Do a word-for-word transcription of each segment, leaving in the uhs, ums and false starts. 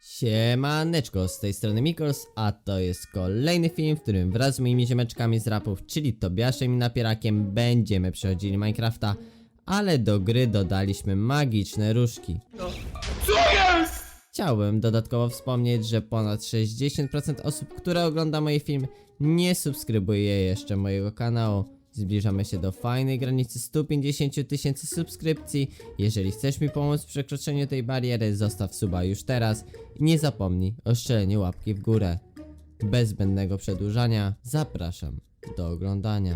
Siemaneczko, z tej strony Mikols, a to jest kolejny film, w którym wraz z moimi ziomeczkami z rapów, czyli Tobiaszem i Napierakiem, będziemy przechodzili Minecrafta, ale do gry dodaliśmy magiczne różki. Co jest? Chciałbym dodatkowo wspomnieć, że ponad sześćdziesiąt procent osób, które ogląda moje filmy, nie subskrybuje jeszcze mojego kanału. Zbliżamy się do fajnej granicy stu pięćdziesięciu tysięcy subskrypcji. Jeżeli chcesz mi pomóc w przekroczeniu tej bariery, zostaw suba już teraz i nie zapomnij o strzeleniu łapki w górę. Bez zbędnego przedłużania, zapraszam do oglądania.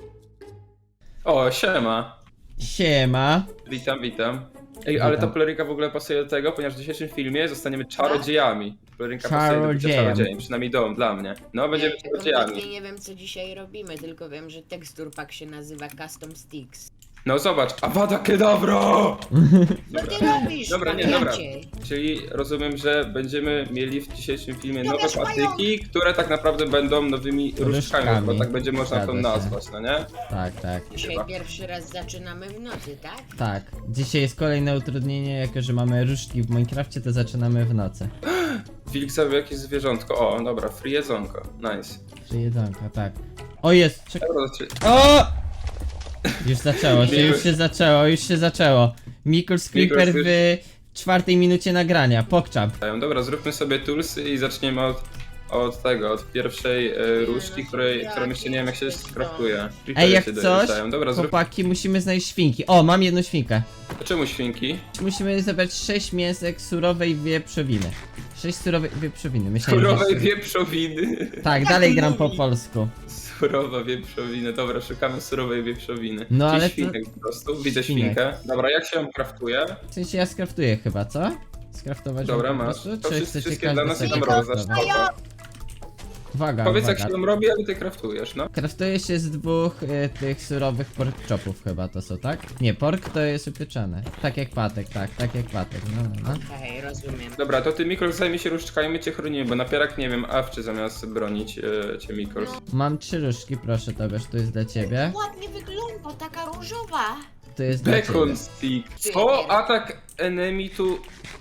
O, siema. Siema. Witam, witam. Ej, ale ta Witam. pelerynka w ogóle pasuje do tego, ponieważ w dzisiejszym filmie zostaniemy czarodziejami. Pelerynka pasuje do bycia Czarodziejem. czarodziejem, przynajmniej dom dla mnie. No, będziemy Ja czarodziejami. kompletnie nie wiem, co dzisiaj robimy, tylko wiem, że tekstur pack się nazywa Custom Sticks. No zobacz, Avada Kedavra! Co ty robisz, Dobra, nie, dobra. wariacie? Czyli rozumiem, że będziemy mieli w dzisiejszym filmie No nowe wiesz, mają- patyki, które tak naprawdę będą nowymi różkami, Różkami. bo tak będzie można to Zgadza się. nazwać, no nie? Tak, tak, Dzisiaj Chyba. pierwszy raz zaczynamy w nocy, tak? tak. Dzisiaj jest kolejne utrudnienie, jako że mamy różki w Minecrafcie, to zaczynamy w nocy. Wilk zabił jakieś zwierzątko. O, dobra, free jedzonko. Nice. Czy jedzonka, tak. O jest, czekaj. Dobra, znaczy- O! Już zaczęło się, już się zaczęło, już się zaczęło. Mikols Creeper Mikols w czwartej minucie nagrania, pokczam. Dobra, zróbmy sobie toolsy i zaczniemy od, od tego, od pierwszej e, różdżki, której, którą jeszcze nie wiem jak się skraftuje. Ej, jak się coś, dojeżdżają. Dobra, zrób... chłopaki, musimy znaleźć świnki. O, mam jedną świnkę. Czemu świnki? Musimy zebrać sześć mięsek surowej wieprzowiny. sześć surowej wieprzowiny, myślałem, że... Surowej wieprzowiny. Tak, dalej gram po polsku. Surowa wieprzowina. Dobra, szukamy surowej wieprzowiny. No, Gdzieś ale to- świnek po prostu, widzę Świnek. świnkę. Dobra, jak się ją kraftuje? W sensie ja skraftuję chyba, co? Skraftować Dobra, ją po masz. prostu? To Czy wszyscy, chcecie wszystkie każdy dla nas sobie idą kraftować? roza. Uwaga, Powiedz jak uwaga. się ją robi, ale ty kraftujesz, no. Kraftuje się z dwóch y, tych surowych pork chopów chyba to są, tak? Nie, pork to jest upieczone. Tak jak patek, tak, tak jak patek, no, no, no. Okej, rozumiem. Dobra, to ty Mikols zajmie się różdżkami, my cię chronimy, bo napierak nie wiem, awczy zamiast bronić e, cię Mikols. Mam trzy różdżki, proszę Tobiasz, to jest dla ciebie. Ładnie wygląda, taka różowa. To jest dla ciebie. Bacon stick. Co? Atak enemy tu...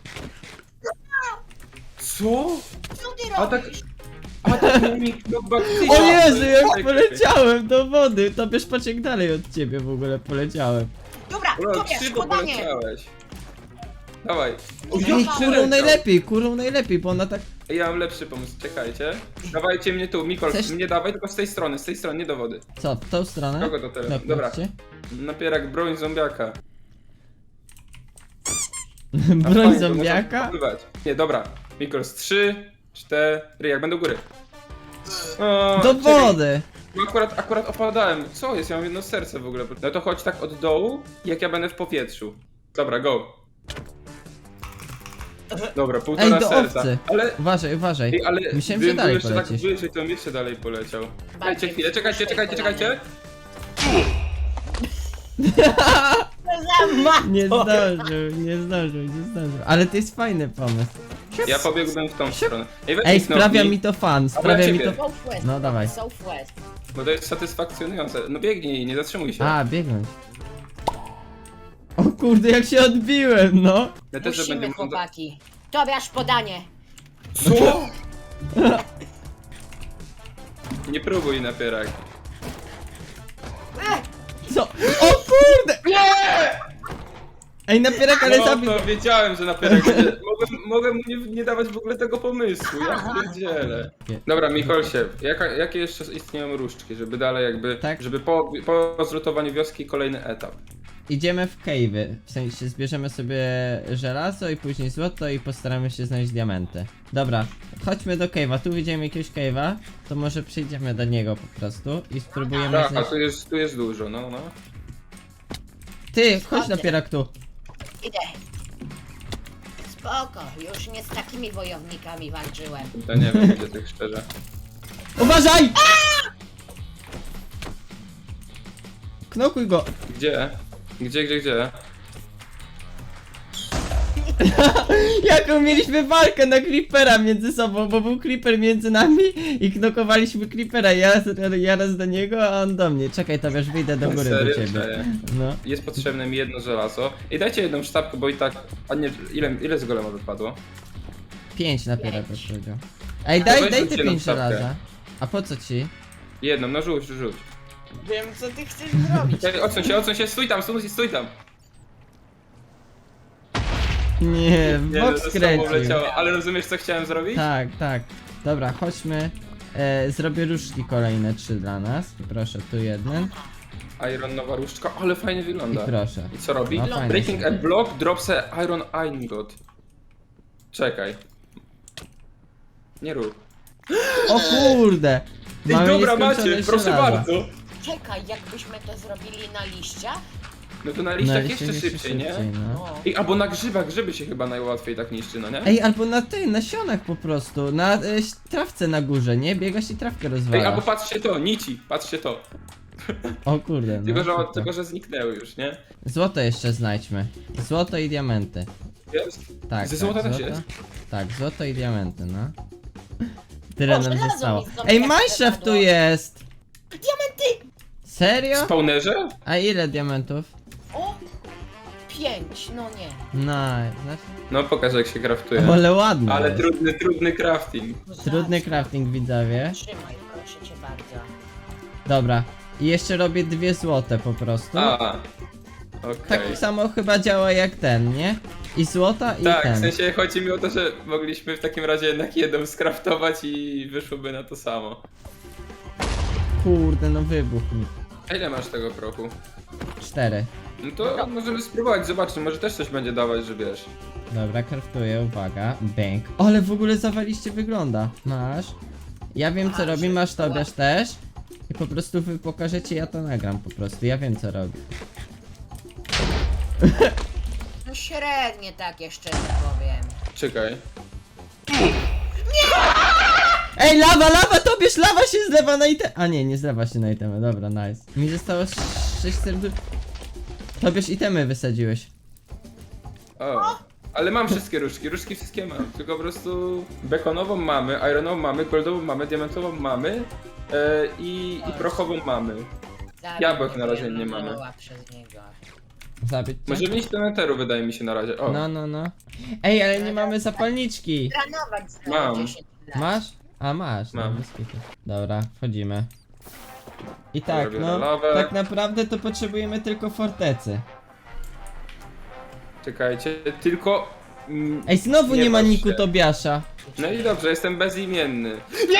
Co? Co ty Atak... robisz? Atak enemy do baktyrii. O Jezu, jak Czekaj. poleciałem do wody! Tobiasz, patrz jak dalej od ciebie w ogóle poleciałem. Dobra, Bro, Tobiasz, szybko podanie. poleciałeś. Dawaj. O, Ej, jak Ej, kurą przeleciał. najlepiej, kurą najlepiej, bo ona tak... Ej, ja mam lepszy pomysł, czekajcie. Dawajcie mnie tu, Mikols, Chcesz- mnie dawaj, tylko z tej strony, z tej strony, nie do wody. Co, w tą stronę? Kogo to teraz? Dobra. Dobra. Napierak, broń zombiaka. A Broń fajnie, to można zombiaka? popływać. Nie, dobra. Mikols, trzy, cztery, jak będę u góry. O, Do czekaj, wody! bo Akurat, akurat opadałem. Co jest? Ja mam jedno serce w ogóle. No to chodź tak od dołu, jak ja będę w powietrzu. Dobra, go. Dobra, Ej, półtora do serca. owcy! Ale, Uważaj, uważaj. ej, ale Myślałem, gdybym że dalej był jeszcze tak polecisz. wyżej, to bym jeszcze dalej poleciał. Czekajcie Bardziej chwilę, czekajcie, czekajcie, wzruszaj czekajcie. Co za ma... Nie zdążył, nie zdążył, nie zdążył. Ale to jest fajny pomysł. Ja pobiegłbym w tą stronę. Ej, weź Ej, mi sprawia knopnij, mi to fan, sprawia mi to... ciebie. Southwest. No dawaj. Southwest. bo to jest satysfakcjonujące. No biegnij, nie zatrzymuj się. A, biegnąć. O kurde, jak się odbiłem, no. Ja też, że Musimy, będzie można... chłopaki. Tobiasz, podanie. Co? Nie próbuj napierak. Co? O kurde! Ej, napierak, ale No zabił... to wiedziałem, że napierak będzie... Mogłem, mogłem mu nie, nie dawać w ogóle tego pomysłu, ja pierdzielę. Dobra, Mikolsie, jaka, jakie jeszcze istnieją różdżki, żeby dalej jakby... Tak. Żeby po, po zlutowaniu wioski kolejny etap. Idziemy w cave'y, w sensie zbierzemy sobie żelazo i później złoto i postaramy się znaleźć diamenty. Dobra, chodźmy do cave'a, tu widzimy jakiegoś cave'a, to może przyjdziemy do niego po prostu i spróbujemy Tak, a znaleźć... tu jest, tu jest dużo, no, no. Ty, chodź napierak tu. Idę. Spoko, już nie z takimi wojownikami walczyłem. Ja nie wiem, gdzie tak szczerze. Uważaj! Knokuj go! Gdzie? Gdzie, gdzie, gdzie? Jaką mieliśmy walkę na creepera między sobą, bo był creeper między nami i knokowaliśmy creepera, ja, ja raz do niego, a on do mnie. Czekaj, to wiesz, wyjdę do góry Serio? do ciebie. Cześć. No. Jest potrzebne mi jedno żelazo. I dajcie jedną sztabkę, bo i tak... A nie, ile, ile z golema wypadło? pięć napierak Pięć. powiedział. Ej, To daj, weź daj rzuć te jedną pięć sztabkę. żelaza. A po co ci? Jedną, no rzuć, rzuć. Wiem, co ty chcesz zrobić. Czekaj, odsuń się, odsuń się, stój tam, stój, stój tam. Nie, w Nie, bok no, to samo skręcił. leciało, ale rozumiesz co chciałem zrobić? Tak, tak. Dobra, chodźmy. E, zrobię różdżki kolejne trzy dla nas. I proszę, tu jeden. Iron nowa różdżka, ale fajnie I wygląda. proszę. I co robi? No, fajnie Breaking są. a block drops a iron ingot. Czekaj. Nie rób. O kurde! Ej, Mamy dobra nieskończone macie, proszę żelaza. bardzo. Czekaj, jakbyśmy to zrobili na liściach? No to na Na liściach liście jeszcze szybciej, nie? no. O. Ej, albo na grzybach, grzyby się chyba najłatwiej tak niszczy, no nie? Ej, albo na tej, na sionach po prostu. Na e, trawce na górze, nie? Biegasz i trawkę Ej, rozwalasz. albo patrzcie to, nici, patrzcie to. O kurde, no. Tylko że, super. tylko, że zniknęły już, nie? Złoto jeszcze znajdźmy. Złoto i diamenty. Jest? Tak, Ze tak, złota też złoto. jest? Tak, złoto i diamenty, no. Tyle O, nam żelazo zostało. mi znowu Ej, jak Minecraft tu wypadło. jest! Diamenty! Serio? Spawnerze? A ile diamentów? O! Pięć, no nie. Nice. Znaczy... No pokaż jak się kraftuje. Ale ładne. Ale jest. trudny, trudny crafting. Trudny crafting, widzowie. Trzymaj, proszę cię bardzo. Dobra. I jeszcze robię dwie złote po prostu. A, okej. Tak samo chyba działa jak ten, nie? I złota i Tak, ten. w sensie chodzi mi o to, że mogliśmy w takim razie jednak jedną skraftować i wyszłoby na to samo. Kurde, no wybuch mi. A ile masz tego prochu? Cztery. No to możemy spróbować, zobaczmy, może też coś będzie dawać, że wiesz. Dobra, craftuję, uwaga. Bank. Ale w ogóle zawaliście wygląda. Masz. Ja wiem co A, robi, że- masz Tobiasz też. I po prostu wy pokażecie, ja to nagram po prostu. Ja wiem co robi. No średnie tak jeszcze nie powiem. Czekaj. Ej, lawa, lawa, Tobiasz, lawa się zlewa na item. A nie, nie zlewa się na itemy, dobra, nice. Mi zostało sześć serdusz. Tobiasz, itemy wysadziłeś. O. Ale mam wszystkie różdżki, różdżki wszystkie mam. Tylko po prostu bekonową mamy, ironową mamy, goldową mamy, diamentową mamy e, i, i prochową mamy. Zabił Jabłek na mnie razie nie mamy. Manoła przez niego. Zabić cię? Możemy iść do neteru, wydaje mi się na razie. O, No, no, no. Ej, ale nie mamy zapalniczki. Trenować za Mam. dziesięć lat. Masz? A masz, no, Mam. bez kitu. Dobra, wchodzimy. I tak, biorę no, lawę. tak naprawdę to potrzebujemy tylko fortecy. czekajcie, tylko... mm, Ej, znowu nie, Nie ma patrz niku się. Tobiasza. No i dobrze, jestem bezimienny.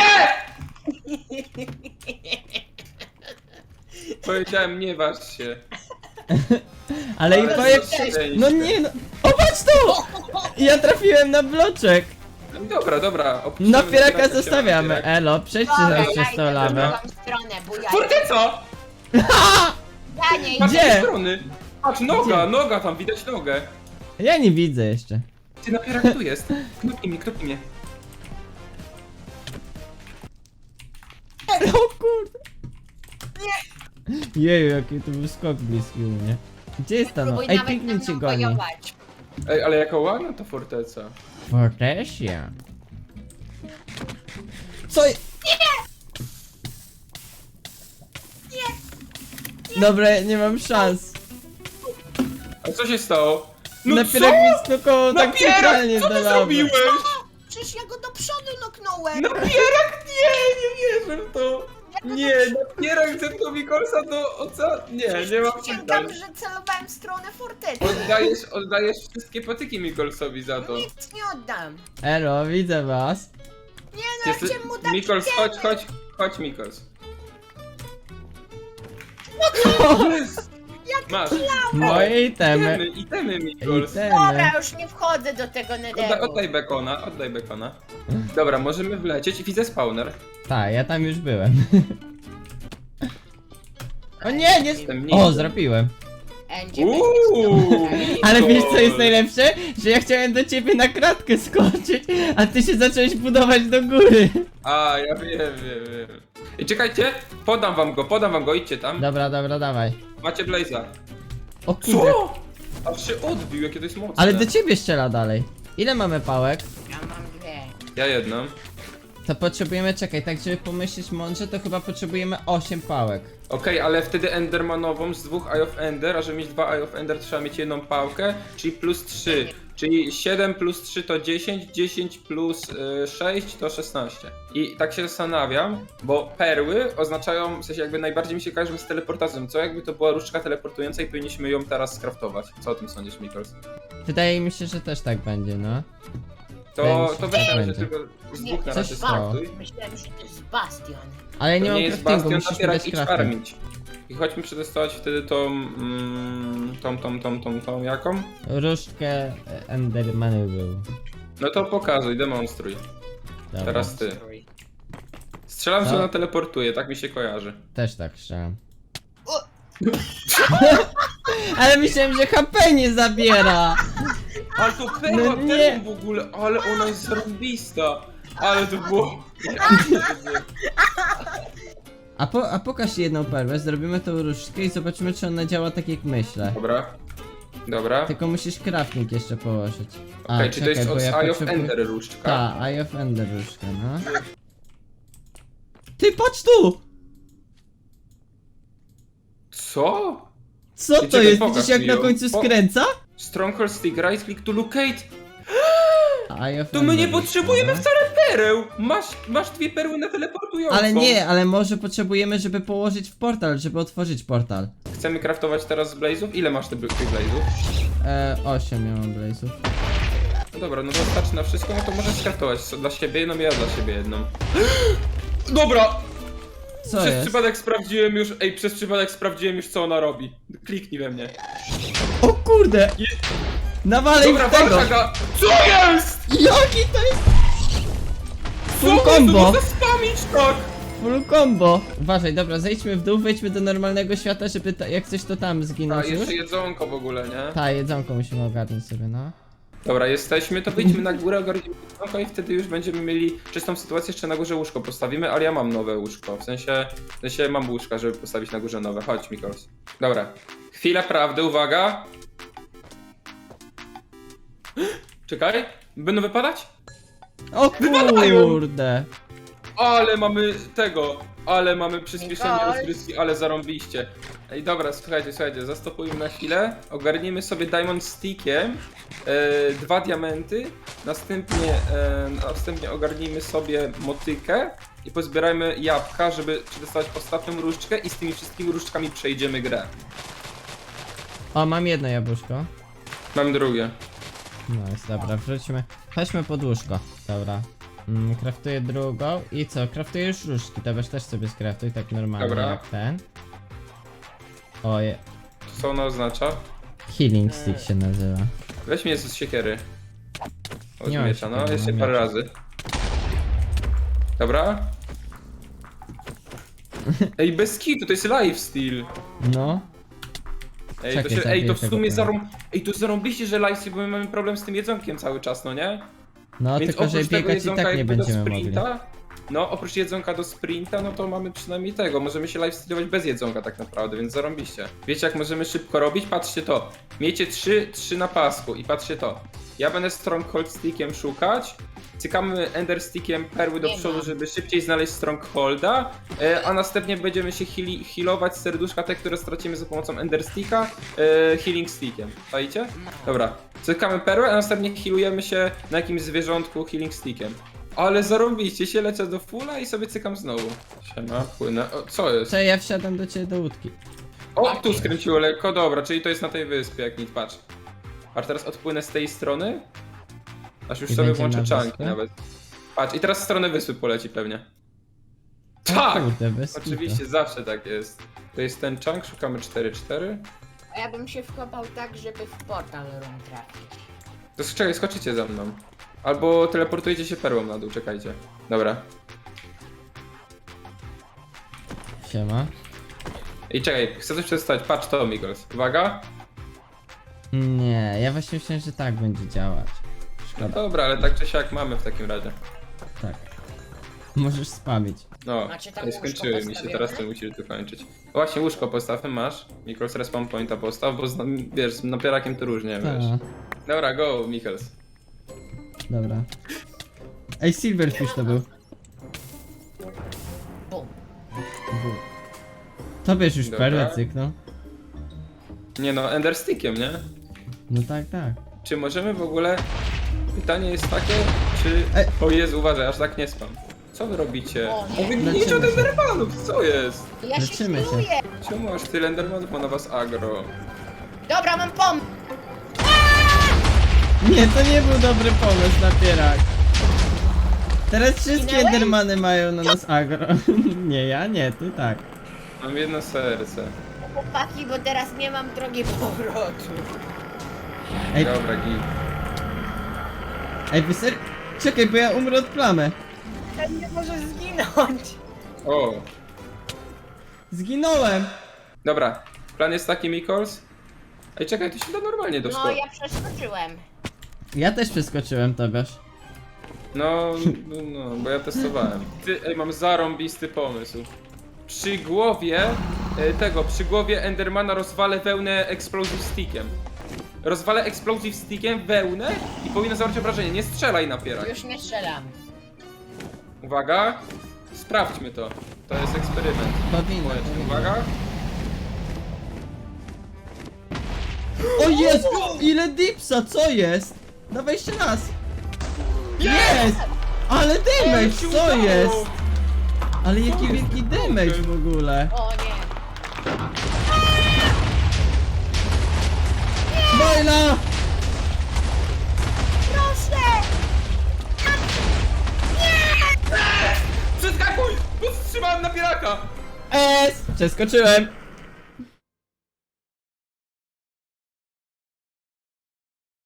Powiedziałem, nie waż się. Ale i Ale po jak... szczęście. No nie no. O, patrz tu! Ja trafiłem na bloczek. No dobra, dobra. opuścimy Napieraka napieraka się, zostawiamy. napierak. Elo, przejdźcie Dobra, zaraz ja przez idę tą w lawę. drugą stronę, bo ja... Forteca! Ja nie Patrz z idę. Gdzie? tej strony. Patrz, noga, Gdzie? noga, tam widać nogę. Ja nie widzę jeszcze. Ty napierak tu jest. Knopnij mnie, knopnij mnie. O kurde. Jeju, jaki to był skok bliski u mnie. Gdzie jest ta no? Próbuj Ej, nawet Pikmin ze cię mną goni. wojować. Ej, ale jaka ładna ta forteca. Fortesia. Co? je- Dobra, nie mam szans. A co się stało? No Napierak co? mi skokował tak Napierak, centralnie co do ty lawy. zrobiłeś? Przecież ja go do przodu noknąłem. Napierak, nie, nie wierzę w to. Ja go Nie, napierak zepnął Mikolsa do oceanu. Nie, nie mam Przysięgam, pytań. że celowałem w stronę fortecy. Oddajesz, oddajesz wszystkie patyki Mikolsowi za to. Nic nie oddam. Elo, widzę was. Nie no, Jesteś... ja chciałem mu dać Mikols, itemy. chodź, chodź, chodź Mikols. Jest! Masz. Moje itemy. Itemy, itemy Mikols. Itemy. Dobra, już nie wchodzę do tego Oddaj, nederu. oddaj bekona, oddaj bekona. Dobra, możemy wlecieć i widzę spawner. Tak, ja tam już byłem. O nie, nie... Jestem O, ninja. zrobiłem. Będzie Uuu, Ale wiesz co jest Mikol. najlepsze? Że ja chciałem do ciebie na kratkę skoczyć, a ty się zacząłeś budować do góry. A, ja wiem, wiem, wiem. I czekajcie, podam wam go, podam wam go, idźcie tam. Dobra, dobra, dawaj. Macie Blaze'a. O kurde. Co? Aż się odbił, jakie to jest mocne. Ale do ciebie strzela dalej. Ile mamy pałek? Ja mam dwie. Ja jedną. To potrzebujemy, czekaj, tak żeby pomyśleć mądrze, to chyba potrzebujemy osiem pałek. Okej, ale wtedy Endermanową z dwóch Eye of Ender, a żeby mieć dwa Eye of Ender trzeba mieć jedną pałkę, czyli plus trzy. Czyli siedem plus trzy to dziesięć, dziesięć plus y, sześć to szesnaście. I tak się zastanawiam, bo perły oznaczają, w sensie jakby najbardziej mi się kojarzą z teleportacją. Co jakby to była różdżka teleportująca i powinniśmy ją teraz skraftować. Co o tym sądzisz, Mikols? Wydaje mi się, że też tak będzie, no. Wydaje mi To, się, to że weź tak na razie będzie. tylko z Nie, dwóch na to razie jest stało. skraftuj. Myślałem, że to jest bastion. Ale nie To mam nie jest craftingu, bastion, musisz mi napierak, dać idź crafting. farmić. I chodźmy przetestować wtedy tą, mm, tą, tą, tą, tą, tą, jaką? Różdżkę e, Endermanu był. No to pokazuj, demonstruj. Dobra. Teraz ty. Strzelam, że Co? ona teleportuje, tak mi się kojarzy. Też tak strzelam. Ale myślałem, że H P nie zabiera! Ale to No perła, nie. perła w ogóle, ale ona jest zarąbista. Ale to było... A, po, a pokaż jedną perłę, zrobimy tą różdżkę i zobaczymy, czy ona działa tak jak myślę. Dobra. Dobra. Tylko musisz crafting jeszcze położyć. A, Okej, czy to jest bo od ja Eye of potrzebuję- Ender różdżka? Ta, Eye of Ender różdżka, no. Ty, patrz tu! Co? Co Ty to czekaj, jest? pokaż Widzisz jak mi na ją. końcu Po- skręca? Stronghold stick, right click to locate. Eye of To my nie Ender potrzebujemy różdżka, wcale pereł. Masz, masz dwie perły na teleportującą. Ale nie, ale może potrzebujemy, żeby położyć w portal, żeby otworzyć portal. Chcemy craftować teraz z blazów? Ile masz tych tych blazów? E, osiem ja mam blazów. No dobra, no to starczy na wszystko, no to możesz skraftować dla siebie jedną, ja dla siebie jedną. Dobra! Co przez jest? przypadek sprawdziłem już, ej, przez przypadek sprawdziłem już co ona robi. Kliknij we mnie. O kurde! Nawalej Dobra, w tego! walczaga! Co jest? Jaki to jest? Co Full jest? combo! No spamić tak! Full combo! Uważaj, dobra, zejdźmy w dół, wejdźmy do normalnego świata, żeby ta, jak coś to tam A, zginąć już. jeszcze jedzonko w ogóle, nie? Ta, jedzonko musimy ogarnąć sobie, no. Dobra, jesteśmy, to wyjdźmy na górę, ogarnijmy jedzonko i wtedy już będziemy mieli czystą sytuację, jeszcze na górze łóżko postawimy, ale ja mam nowe łóżko, w sensie, w sensie mam łóżka, żeby postawić na górze nowe. Chodź, Mikols. Dobra, chwila prawdy, uwaga. Czekaj, będą wypadać? O Wypadają! kurde! Ale mamy tego, ale mamy przyspieszenie Mikołaj. rozgrywki, ale zarąbiście. Ej, dobra, słuchajcie, słuchajcie, zastopujmy na chwilę, ogarnijmy sobie Diamond Stickiem e, dwa diamenty, następnie, e, następnie ogarnijmy sobie motykę i pozbierajmy jabłka, żeby przetestować ostatnią różdżkę i z tymi wszystkimi różdżkami przejdziemy grę. O, mam jedno jabłuszko. Mam drugie. No jest, dobra, wróćmy. Chodźmy pod łóżko. Dobra. Mm, kraftuję drugą i co? Kraftuję już różdżki, to weź też sobie skraftuj tak normalnie Dobra. jak ten. Oje, Co ona oznacza? healing stick się nazywa. Weź mnie z siekiery. Od Nie mam miecza, no, siekiery, jeszcze mam parę miecz. razy. Dobra. Ej, bez kitu, to jest lifesteal. No. Ej, Czekaj, to, się, ej, zabiję to w tego sumie pana. zarą... Ej, to zarąbiście, że lifesteal, bo my mamy problem z tym jedzonkiem cały czas, no nie? No, Więc tylko że oprócz tego biegać i jedzonka tak nie jakby będziemy do mogli. sprinta, no oprócz jedzonka do sprinta, no to mamy przynajmniej tego, możemy się lifestealować bez jedzonka tak naprawdę, więc zarąbiście. Wiecie jak możemy szybko robić? Patrzcie to. Miejcie trzy, trzy na pasku i patrzcie to. Ja będę Stronghold Stickiem szukać, cykamy Ender Stickiem perły do Nie przodu, mam. żeby szybciej znaleźć Strongholda, e, a następnie będziemy się heali healować serduszka te, które stracimy za pomocą Ender Sticka, e, Healing Stickiem. Czaicie? Dobra. Cykamy perłę, a następnie healujemy się na jakimś zwierzątku Healing Stickiem. Ale zarobiście się, lecę do fulla i sobie cykam znowu. Siema, płynę. O, co jest? Co, ja wsiadam do ciebie do łódki. O, tu skręciło lekko, dobra, czyli to jest na tej wyspie, jak nic, patrz. Patrz, teraz odpłynę z tej strony. Aż już I sobie będzie włączę na czanki wyspę? nawet. Patrz, i teraz w stronę wyspy poleci pewnie. O Tak! kurde, bez kitu. Oczywiście, zawsze tak jest. To jest ten chunk, szukamy cztery cztery. A ja bym się wkopał tak, żeby w portal room trafić. To czekaj, skoczycie za mną. Albo teleportujecie się perłą na dół, czekajcie. Dobra. Siema. I czekaj, chcę coś przedstawić. Patrz to, Migos. Uwaga. Nie, ja właśnie myślałem, że tak będzie działać. No Szkoda, dobra, ale tak czy siak mamy w takim razie. tak. Możesz spamić. No, Macie tam ale łóżko skończyły mi się, postawione? teraz ty musisz dokończyć. Właśnie łóżko postawmy masz. Mikros respawn pointa postaw, bo z, wiesz, z napierakiem to różnie, Ta, wiesz. Dobra, go, Michels. dobra. Ej, Silverfish to był. Bum. To wiesz już Dobra. perłę cyknął. Nie no, Ender Stickiem, nie? No tak, tak. czy możemy w ogóle... Pytanie jest takie, czy... Ej. O Jezu, uważaj, aż tak nie spam. Co wy robicie? O, O, wy Leczymy gniecie od się. endermanów, co jest? Ja się Leczymy się. healuję. Czemu aż tyle endermanów ma na was agro? Dobra, mam pomysł. Nie, to nie był dobry pomysł, napierak. Teraz wszystkie Zginąłeś? Endermany mają na nas agro. Nie, ja nie, ty tak. Mam jedno serce. Chłopaki, bo teraz nie mam drogi powrotu. Ej, Dobra, git. ej, wy ser... Czekaj, bo ja umrę od plamy. Ten nie może zginąć. O, Zginąłem. dobra. Plan jest taki, Mikols. Ej, czekaj, to się da normalnie No, doskoczyć. ja przeskoczyłem. Ja też przeskoczyłem, Tobiasz. No, no, no, bo ja testowałem. Ty, ej, mam zarąbisty pomysł. Przy głowie e, tego, przy głowie Endermana rozwalę wełnę Explosive Stickiem. Rozwalę Explosive Stickiem wełnę i powinno zawarć obrażenie. Nie strzelaj napieraj. Już nie strzelam. Uwaga, sprawdźmy to. To jest eksperyment. Powinno. Słuchajcie, uwaga. O jest! Ile dipsa, co jest? Dawaj jeszcze raz. Jest! Ale damage, Ale się co udało! jest? Ale jaki jest wielki naprawdę? damage w ogóle. O nie. Bojla! Proszę! Przeskakuj! Powstrzymałem napieraka! S! Przeskoczyłem.